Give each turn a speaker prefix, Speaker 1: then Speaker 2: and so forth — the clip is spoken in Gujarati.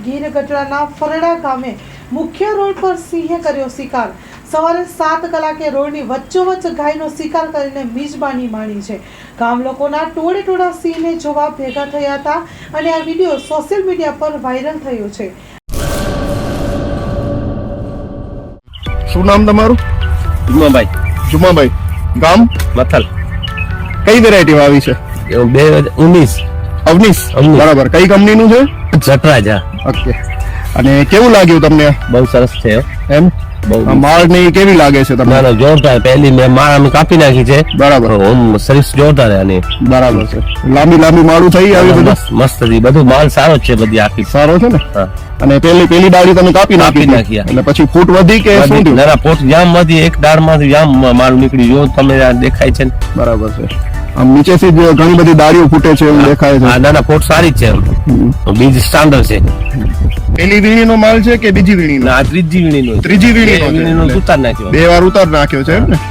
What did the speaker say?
Speaker 1: ગીર ગઢડાના ફરડા ગામે મુખ્ય રોડ પર સિંહે કર્યો શિકાર। સવારે 7 કલાકે રોડની વચ્ચોવચ્ચ ગાયનો શિકાર કરીને મિજબાની માણી છે। ગામ લોકોના ટોળે ટોળા સિંહને જોવા ભેગા થયા હતા અને આ વિડીયો સોશિયલ મીડિયા પર વાયરલ થયો છે।
Speaker 2: શું નામ તમારું? જુમાભાઈ ગામ
Speaker 3: મથલ
Speaker 2: કઈ વેરાયટી આવી છે?
Speaker 3: 2019
Speaker 2: અવનીશ બરાબર। કઈ કંપની નું છે?
Speaker 3: જટરાજ।
Speaker 2: ઓકે। અને કેવું લાગ્યું તમને?
Speaker 3: બહુ સરસ છે
Speaker 2: એમ માળ ને કેવી લાગે છે તમને?
Speaker 3: ના જોરદાર। પહેલી મેં માળ અમે કાપી નાખી છે
Speaker 2: બરાબર।
Speaker 3: ઓમ સર્વિસ જોરદાર આની
Speaker 2: બરાબર છે। લાંબી માળું થઈ આવી બધું
Speaker 3: મસ્ત હતી, બધું માલ સારો છે, બધી આખી
Speaker 2: સારો છે ને?
Speaker 3: હા।
Speaker 2: અને પેલી ડાળી તમે કાપી નાખી એટલે પછી ફૂટ વધી કે શું થયું?
Speaker 3: ના ફૂટ જામ માંથી એક ડાળ માંથી જામ માલ નીકળી જો તમે દેખાય છે ને?
Speaker 2: બરાબર છે। આમ નીચેથી જ ઘણી બધી ડાળીઓ ફૂટે છે એવું દેખાય છે।
Speaker 3: ના ના ફૂટ સારી છે, બીજ સ્ટાન્ડર્ડ છે।
Speaker 2: પેલી વીણીનો માલ છે કે બીજી વીણીનો?
Speaker 3: ના ત્રીજી વીણીનો
Speaker 2: ત્રીજી વીણીનો
Speaker 3: ઉતાર નાખ્યો,
Speaker 2: 2 વાર ઉતાર નાખ્યો છે એમ ને?